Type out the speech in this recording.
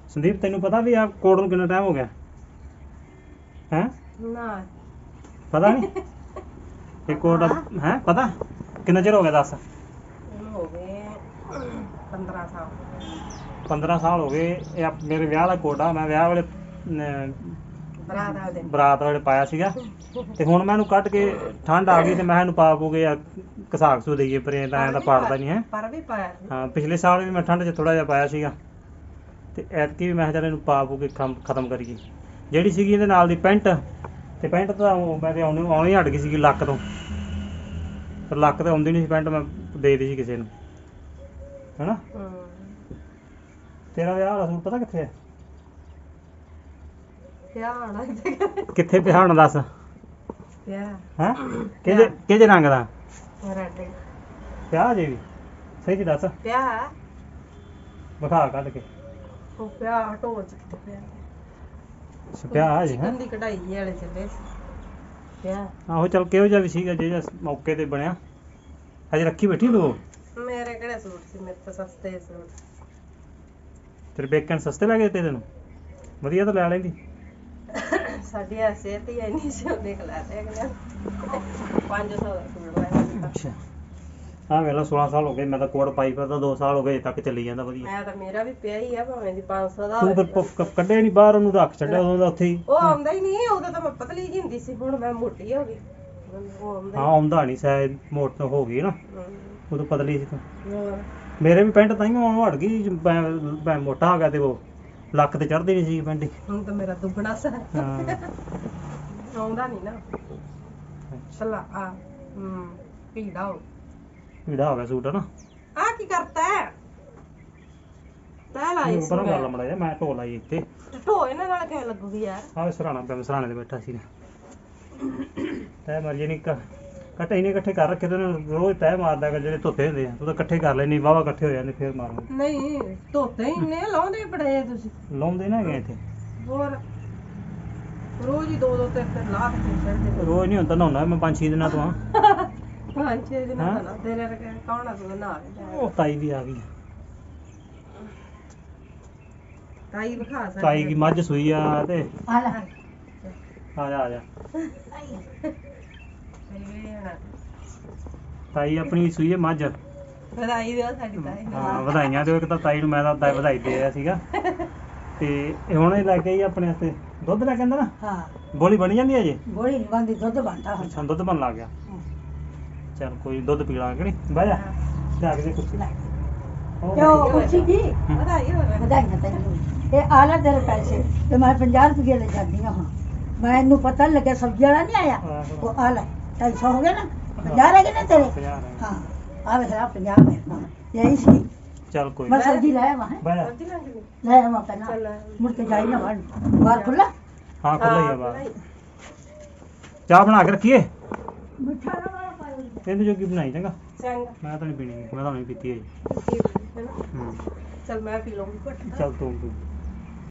ਸੰਦੀਪ ਤੈਨੂੰ ਪਤਾ ਵੀ ਆ ਕੋਡ ਨੂੰ ਕਿੰਨਾ ਟਾਈਮ ਹੋ ਗਿਆ ਹੈ ਨਾ ਪਤਾ ਨਹੀਂ ਇਹ ਕੋਡ ਹੈ ਪਤਾ ਕਿੰਨਾ ਚਿਰ ਹੋ ਗਿਆ ਦੱਸ ਇਹਨੂੰ ਹੋ ਗਏ 15 ਸਾਲ 15 ਸਾਲ ਹੋ ਗਏ ਇਹ ਮੇਰੇ ਵਿਆਹ ਦਾ ਕੋਡ ਆ ਮੈਂ ਵਿਆਹ ਵੇਲੇ ਬਰਾਤ ਵਾਲੇ ਪਾਇਆ ਸੀਗਾ ਤੇ ਹੁਣ ਮੈਂ ਇਹਨੂੰ ਕੱਢ ਕੇ ਠੰਡ ਆ ਗਈ ਤੇ ਮੈਂ ਇਹਨੂੰ ਪਾ ਪੂਗੇ ਕਸਾਕ ਸੂ ਦੇਈਏ ਪਰ ਇਹ ਤਾਂ ਐਂ ਤਾਂ ਪਾੜਦਾ ਨਹੀਂ ਹੈ ਪਰ ਵੀ ਪਾਇਆ ਹਾਂ ਪਿਛਲੇ ਸਾਲ ਵੀ ਮੈਂ ਠੰਡ 'ਚ ਥੋੜਾ ਜਿਹਾ ਪਾਇਆ ਸੀਗਾ ਤੇ ਐਤਕੀ ਵੀ ਮੈਂ ਚੱਲ ਇਹਨੂੰ ਪਾ ਪੂਗੇ ਖਤਮ ਕਰੀਏ ਜਿਹੜੀ ਸੀਗੀ ਇਹਦੇ ਨਾਲ ਦੀ ਪੈਂਟ ਤੇ ਪੈਂਟ ਤਾਂ ਮੈਂ ਤੇ ਆਉਣੀ ਹਟ ਗਈ ਸੀਗੀ ਲੱਕ ਤੋਂ ਪਰ ਲੱਕ ਤੇ ਆਉਂਦੀ ਨਹੀਂ ਸੀ ਪੈਂਟ ਮੈਂ ਦੇ ਦਿੱਤੀ ਸੀ ਕਿਸੇ ਨੂੰ ਹੈਨਾ ਤੇਰਾ ਵਿਆਹ ਵਾਲਾ ਸੂਟ ਪਤਾ ਕਿੱਥੇ ਹੈ ਕਿੱਥੇ ਪਿਆ ਹੁਣ ਦੱਸ ਹੈ ਕਿਹਦੇ ਰੰਗ ਦਾ ਪਿਆ ਜੇ ਵੀ ਸਹੀ ਜੀ ਦੱਸ ਪਿਆ ਵਿਖਾ ਕੱਢ ਕੇ ਉਹ ਪਿਆ ਢੋਲ ਚ ਪਿਆ ਪਿਆ ਜੀ ਹੈ ਦੀ ਕਢਾਈ ਵਾਲੇ ਚੱਲੇ ਪਿਆ ਆਹੋ ਚੱਲ ਕਿਹੋ ਜਿਹਾ ਵੀ ਸੀਗਾ ਜਿਹੜਾ ਮੌਕੇ ਤੇ ਬਣਿਆ ਹਜੇ ਰੱਖੀ ਬੈਠੀ ਤੂੰ ਮੇਰੇ ਕਿਹੜੇ ਸੂਟ ਸੀ ਮੇਰੇ ਤਾਂ ਸਸਤੇ ਸੂਟ ਤੇਰੇ ਬੇਕਨ ਸਸਤੇ ਲੱਗੇ ਤੈਨੂੰ ਵਧੀਆ ਤਾਂ ਲੈ ਲੈਂਦੀ ਸਾਡੀ ਸਿਹਤ ਹੀ ਇੰਨੀ ਸੀ ਉਹਦੇ ਖਲਾ ਤੇ ਅਗਲੇ 500 ਦਾ ਸੂਟ ਲਾਇਆ ਅੱਛਾ ਹਾਂ ਵੇਲਾ 16 ਸਾਲ ਹੋ ਗਏ ਮੈਂ ਤਾਂ ਕੋਟ ਪਾਈ ਫਿਰਦਾ 2 ਸਾਲ ਹੋ ਗਏ ਤੱਕ ਚੱਲੀ ਜਾਂਦਾ ਵਧੀਆ ਮੈਂ ਤਾਂ ਮੇਰਾ ਵੀ ਪਿਆ ਹੀ ਆ ਭਾਵੇਂ ਦੀ 500 ਦਾ ਤੂੰ ਫਿਰ ਕੱਢਿਆ ਨਹੀਂ ਬਾਹਰ ਉਹਨੂੰ ਰੱਖ ਛੱਡਿਆ ਉਦੋਂ ਦਾ ਉੱਥੇ ਹੀ ਉਹ ਆਉਂਦਾ ਹੀ ਨਹੀਂ ਉਦੋਂ ਤਾਂ ਮੈਂ ਪਤਲੀ ਜਿਹੀ ਹੁੰਦੀ ਸੀ ਹੁਣ ਮੈਂ ਮੋਟੀ ਹੋ ਗਈ ਹਾਂ ਆਉਂਦਾ ਨਹੀਂ ਸ਼ਾਇਦ ਮੋਟ ਹੋ ਗਈ ਨਾ ਉਦੋਂ ਪਤਲੀ ਸੀ ਤੂੰ ਮੇਰੇ ਵੀ ਪੈਂਟ ਤਾਂ ਹੀ ਆਉਣੋਂ ਹਟ ਗਈ ਮੈਂ ਮੋਟਾ ਹੋ ਗਿਆ ਤੇ ਉਹ ਲੱਕ ਤੇ ਚੜ੍ਹਦੀ ਨਹੀਂ ਸੀ ਪੈਂਟ ਹੁਣ ਤਾਂ ਮੇਰਾ ਦੁੱਗਣਾ ਸਾ ਆਉਂਦਾ ਨਹੀਂ ਨਾ ਚੱਲਾ ਆ ਪੀੜਾ ਹੋ ਗਿਆ ਸੂਟ ਹੈ ਨਾ ਆ ਕੀ ਕਰਤਾ ਹੈ ਤੈ ਲਾਈ ਸੀ ਪਰ ਗੱਲ ਮੜਾ ਜਾ ਮੈਂ ਢੋ ਲਾਈ ਇੱਥੇ ਢੋ ਇਹਨਾਂ ਨਾਲ ਕਿਵੇਂ ਲੱਗੂਗੀ ਯਾਰ ਆਹ ਸਰਾਣਾ ਪਿਆ ਸਰਾਣੇ ਤੇ ਬੈਠਾ ਸੀ ਤੈ ਮਰ ਜੇ ਨਹੀਂ ਕੱਟੇ ਇਹਨੇ ਇਕੱਠੇ ਕਰ ਰੱਖੇ ਤੇ ਰੋਜ਼ ਤੈ ਮਾਰਦਾ ਕਰ ਜਿਹੜੇ ਧੋਤੇ ਹੁੰਦੇ ਆ ਤੂੰ ਤਾਂ ਇਕੱਠੇ ਕਰ ਲੈਣੀ ਵਾਵਾ ਇਕੱਠੇ ਹੋ ਜਾਂਦੇ ਫੇਰ ਮਾਰਾਂਗੇ ਨਹੀਂ ਧੋਤੇ ਹੀ ਨੇ ਲਾਉਂਦੇ ਬੜੇ ਤੁਸੀਂ ਲਾਉਂਦੇ ਨਾ ਹੈਗੇ ਇੱਥੇ ਹੋਰ ਰੋਜ਼ ਹੀ ਦੋ ਤਿੰਨ ਲਾ ਕੇ ਛੱਡਦੇ ਰੋਜ਼ ਨਹੀਂ ਹੁੰਦਾ ਨਹਾਉਣਾ ਮੈਂ 5-6 ਦਿਨਾਂ ਤੋਂ ਆ 5-6 ਦਿਨਾਂ ਦਾ ਨਾ ਤੇਰੇ ਰਕੇ ਕੌਣ ਆ ਤੂੰ ਨਾ ਉਹ ਤਾਈ ਦੀ ਆ ਗਈ ਤਾਈ ਵਿਖਾ ਸਕਦੀ ਤਾਈ ਦੀ ਮੱਝ ਸੂਈ ਆ ਤੇ ਆ ਲੈ ਆ ਜਾ ਤਾਈ ਆਪਣੀ ਸੂਈ ਹੈ ਮੱਝ ਵਧਾਈ ਦਿਓ ਸਾਡੀ ਤਾਈ ਨੂੰ ਹਾਂ ਵਧਾਈਆਂ ਦਿਓ ਇੱਕ ਤਾਂ ਤਾਈ ਨੂੰ ਮੈਂ ਤਾਂ ਵਧਾਈ ਦੇ ਰਿਹਾ ਸੀਗਾ ਤੇ ਹੁਣ ਇਹ ਲੈ ਕੇ ਆਈ ਆਪਣੇ ਵਾਸਤੇ ਦੁੱਧ ਲੈ ਕੇ ਆਂਦਾ ਨਾ ਹਾਂ ਗੋਲੀ ਬਣ ਜਾਂਦੀ ਹੈ ਜੀ ਗੋਲੀ ਨਹੀਂ ਬਣਦੀ ਦੁੱਧ ਬਣਦਾ ਅੱਛਾ ਦੁੱਧ ਬਣ ਲੱਗ ਗਿਆ ਚੱਲ ਕੋਈ ਦੁੱਧ ਪੀ ਲਾਂਗੇ ਕਿ ਨਹੀਂ ਬਹਿ ਜਾ ਜਾ ਕੇ ਕੁਛ ਲੈ ਕਿਉਂ ਖੁਸ਼ੀ ਜੀ ਵਧਾਈ ਹੋਵੇ ਵਧਾਈਆਂ ਤੈਨੂੰ ਇਹ ਆ ਲੈ ਤੇਰੇ ਪੈਸੇ ਤੇ ਮੈਂ 50 ਰੁਪਏ ਲੈ ਜਾਂਦੀ ਹਾਂ ਹੁਣ ਮੈਨੂੰ ਪਤਾ ਨੀ ਲੱਗਿਆ ਸਬਜ਼ੀ ਵਾਲਾ ਨਹੀਂ ਆਇਆ ਉਹ ਆ ਲੈ 250 ਹੋ ਗਿਆ ਨਾ 50 ਰਹਿ ਗਏ ਨਾ ਤੇਰੇ ਹਾਂ ਆ ਵੇਖ 50 ਮੇਰੇ ਨਾਲ ਯਹੀ ਸੀ ਚੱਲ ਕੋਈ ਮੈਂ ਸਬਜ਼ੀ ਲੈ ਆਵਾਂ ਬਹਿ ਜਾ ਲੈ ਆਵਾਂ ਪਹਿਲਾਂ ਮੁੜ ਕੇ ਜਾਈ ਨਾ ਵੜ ਬਾਹਰ ਖੁੱਲਾ ਹਾਂ ਖੁੱਲਾ ਹੀ ਆ ਬਾਹਰ ਚਾਹ ਬਣਾ ਕੇ ਰੱਖੀਏ ਮਿੱਠਾ ਨਾ ਵਾਲਾ ਪਾਇਓ ਇਹਦੇ ਜੋਗੀ ਬਣਾਈ ਚੰਗਾ ਚੰਗਾ ਮੈਂ ਤਾਂ ਨਹੀਂ ਪੀਣੀ ਮੈਂ ਤਾਂ ਨਹੀਂ ਪੀਤੀ ਹੈ ਚੱਲ ਮੈਂ ਪੀ ਲਵਾਂਗੀ ਚੱਲ ਤੂੰ